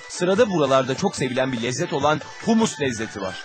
Sırada buralarda çok sevilen bir lezzet olan humus lezzeti var.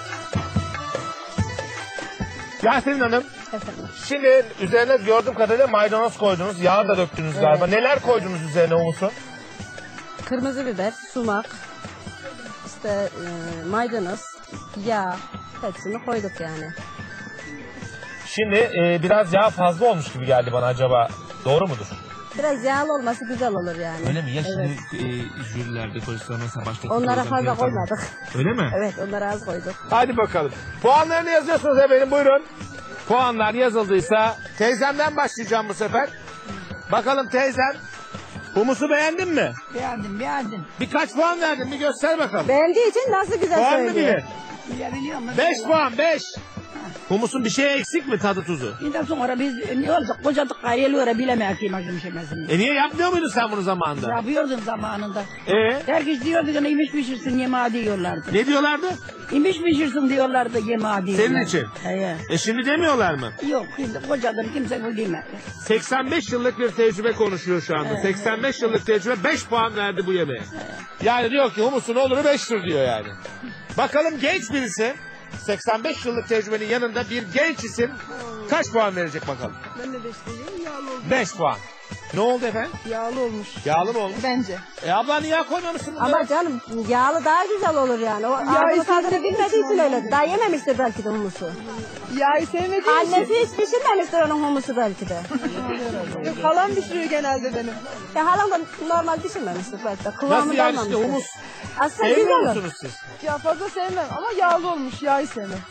Yasemin Hanım, Efendim. şimdi üzerine gördüğüm kadarıyla maydanoz koydunuz, yağ da döktünüz galiba. Neler koydunuz üzerine humusun? Kırmızı biber, sumak, işte maydanoz, yağ, hepsini koyduk yani. Şimdi biraz yağ fazla olmuş gibi geldi bana, acaba doğru mudur? Biraz yağlı olması güzel olur yani. Öyle mi? Ya Evet. şimdi jürilerde koysalar mesela başka... Onlara fazla koymadık. Öyle mi? Evet, onlara az koyduk. Hadi bakalım. Puanlarını yazıyorsunuz efendim, buyurun. Puanlar yazıldıysa teyzemden başlayacağım bu sefer. Bakalım teyzem, humusu beğendin mi? Beğendim. Birkaç puan verdin, bir göster bakalım. Beğendiği için nasıl güzel Puan mı söylüyor. bilir? Bilebiliyor musun? 5 puan, 5. Humusun bir şeye eksik mi, tadı tuzu? Ondan sonra biz ne oldu? Kocadık gayrıyla bilemeyiz ki maksim şeymesini. Niye yapmıyor muydun sen bunu zamanında? Yapıyordum zamanında. Herkes diyordu ki imiş pişirsin yemeği diyorlardı. Ne diyorlardı? İmiş pişirsin diyorlardı yemeği diyorlardı. Senin için? Şimdi demiyorlar mı? Yok şimdi kocadım kimse bu demez. 85 yıllık bir tecrübe konuşuyor şu anda. 85 yıllık tecrübe 5 puan verdi bu yemeğe. Yani diyor ki humusun oluru 5'tir diyor yani. Bakalım genç birisi, 85 yıllık tecrübenin yanında bir genç isim kaç puan verecek bakalım. Ben de 5 diyeyim, yağlı olmuş. 5 puan. Ne oldu efendim? Yağlı olmuş. Yağlı mı olmuş? Bence. Abla niye koymamışsın bunları? Ama canım yağlı daha güzel olur yani. O ağzını tadını bilmediği için öyle. Daha yememiştir belki de humusu. Yağı sevmediğim için. Annesi hiç pişirmemiştir onun humusu belki de. Yok, halam pişiriyor genelde benim. Ya halam da normal pişirmemiştir belki de. Kıvamı Nasıl yani kalmamıştır. işte humus? Aslında Sevmiyor güzel olur. musunuz siz? Ya fazla sevmem ama yağlı olmuş. Yağı sevmem.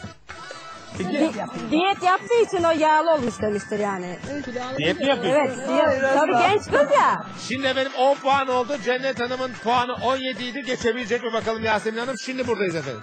Diyet yaptığı için o yağlı olmuş demiştir yani. Diyet mi yapıyorsun? Evet, diyet. Tabii genç kız ya. Şimdi efendim 10 puan oldu. Cennet Hanım'ın puanı 17 idi. Geçebilecek mi bakalım Yasemin Hanım? Şimdi buradayız efendim.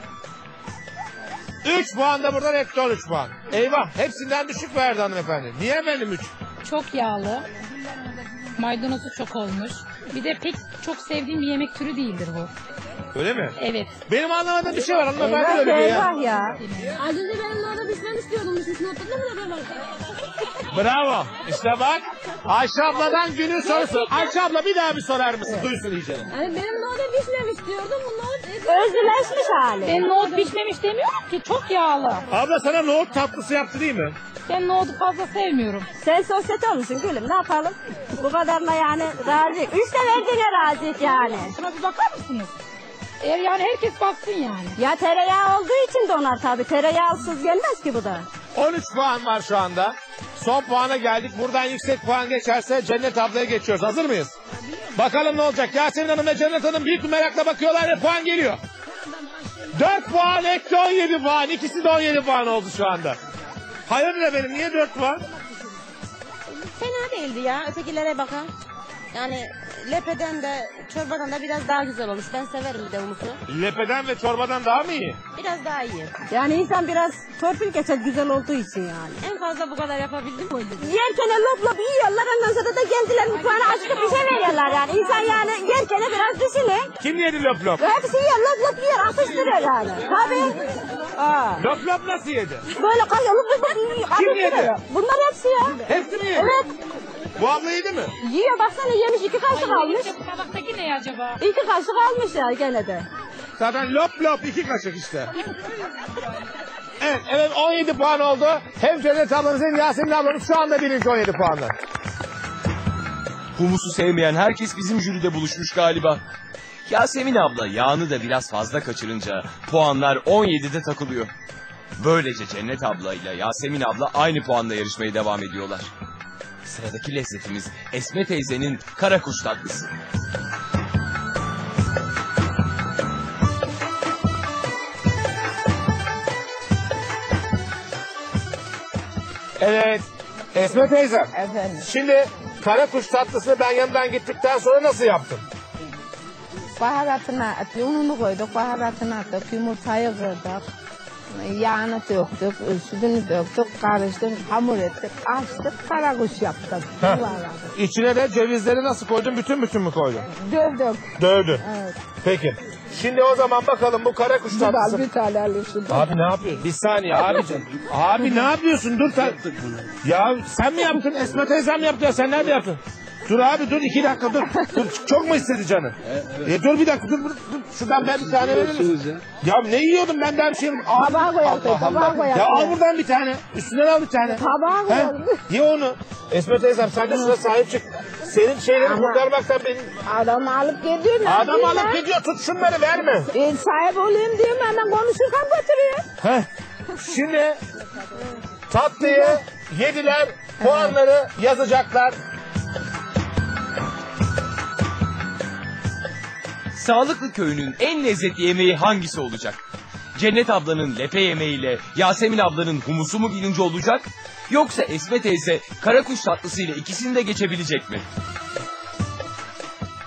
3 puan da buradan, hepsi 13 puan. Eyvah, hepsinden düşük verdi hanımefendi. Niye efendim 3? Çok yağlı. Maydanozu çok olmuş. Bir de pek çok sevdiğim bir yemek türü değildir bu. Öyle mi? Evet. Benim anlamadığım bir şey var hanımefendi, Eyvah öyle diyor ya. eyvah ya. Az önce benim de orada pişmen istiyordum. Düşmüşünü hatırladın mı? Bravo. İşte bak. Ayşe abladan günün sorusu. Ayşe abla bir daha bir sorar mısın? Duysun iyice. Yani benim de orada pişmemiş diyordum. Bunlar Özgürleşmiş hali. Ben nohut pişmemiş demiyorum ki, çok yağlı. Abla sana nohut tatlısı yaptı değil mi? Ben nohutu fazla sevmiyorum. Sen sosyete olmuşsun gülüm, ne yapalım? Bu kadarına yani razıyık. 3 de verdiğine razıyık yani. Şuna bir bakar mısınız? Yani herkes baksın yani. Ya tereyağı olduğu için de onlar tabii. Tereyağsız gelmez ki bu da. 13 puan var şu anda. Son puana geldik. Buradan yüksek puan geçerse Cennet ablaya geçiyoruz. Hazır mıyız? Bakalım ne olacak? Yasemin Hanım ve Cennet Hanım büyük bir merakla bakıyorlar ve puan geliyor. 4 puan eksi 17 puan. İkisi de 17 puan oldu şu anda. Hayırdır efendim, niye 4 puan? Fena değildi ya, ötekilere bakan. Yani lepeden de çorbadan da biraz daha güzel olmuş. Ben severim bir de humusu. Lepeden ve çorbadan daha mı iyi? Biraz daha iyi. Yani insan biraz torpil geçer güzel olduğu için yani. En fazla bu kadar yapabildim mi? Yerken lop lop yiyorlar, ondan sonra da kendileri mutfağına açıp bir şey veriyorlar yani. İnsan yani yerken biraz düşünün. Kim yedi lop lop? Hepsi yiyor, lop lop yiyor, atıştırıyor yani. Tabii. Lop lop nasıl yedi? Böyle kayıyor, lop lop yiyor, Kim yedi? atıştırıyor. Bunlar hepsi ya. Hepsi mi yedi? Evet. Bu abla yedi mi? Yiyor, baksana yemiş, 2 kaşık almış. Bu tabaktaki ne acaba? 2 kaşık almış ya gene de. Zaten lop lop 2 kaşık işte. Evet 17 puan oldu. Hem Cennet ablanız hem Yasemin ablanız şu anda birinci 17 puanla. Humusu sevmeyen herkes bizim jüride buluşmuş galiba. Yasemin abla yağını da biraz fazla kaçırınca puanlar 17'de takılıyor. Böylece Cennet abla ile Yasemin abla aynı puanla yarışmaya devam ediyorlar. Sıradaki lezzetimiz Esme teyzenin karakuş tatlısı. Evet. Esme teyze. Efendim. Şimdi karakuş tatlısını ben yanından gittikten sonra nasıl yaptın? Baharatını attık, ununu koyduk, baharatını attık, yumurtayı kırdık. Yağını döktük, sütünü döktük, karıştık, hamur ettik, açtık, karakuş yaptık. İçine de cevizleri nasıl koydun? Bütün mü koydun? Dövdük. Dövdün. Evet. Peki. Şimdi o zaman bakalım bu karakuş tatlısı. Bir tane alıyorsun. Abi ne yapıyorsun? Bir saniye abicim. Abi ne yapıyorsun? Dur sen. Ya sen mi yaptın? Esme teyzem mi yaptı ya? Sen nerede yaptın? Dur abi dur 2 dakika dur. Dur çok mu istedi canı? Dur bir dakika dur. Şuradan ben bir tane verir misin? Ya ne yiyordum ben daha bir şey yemedim. Tabağa koyalım. Tabağa koyalım. Ya al buradan bir tane. Üstünden al bir tane. Tabağa He? koyalım. Ye onu. Esme teyzem sen de şuna sahip çık. Senin şeyleri Ama- kurtarmaktan benim... Adam alıp gidiyor. ne Adam yapayım alıp ben? gidiyor tut şunları verme. Sahip olayım diyorum hemen konuşurken götürüyor. Heh. Şimdi tatlıyı yediler. Puanları yazacaklar. Sağlıklı köyünün en lezzetli yemeği hangisi olacak? Cennet ablanın lepe yemeğiyle Yasemin ablanın humusu mu birinci olacak? Yoksa Esme teyze karakuş tatlısıyla ikisini de geçebilecek mi?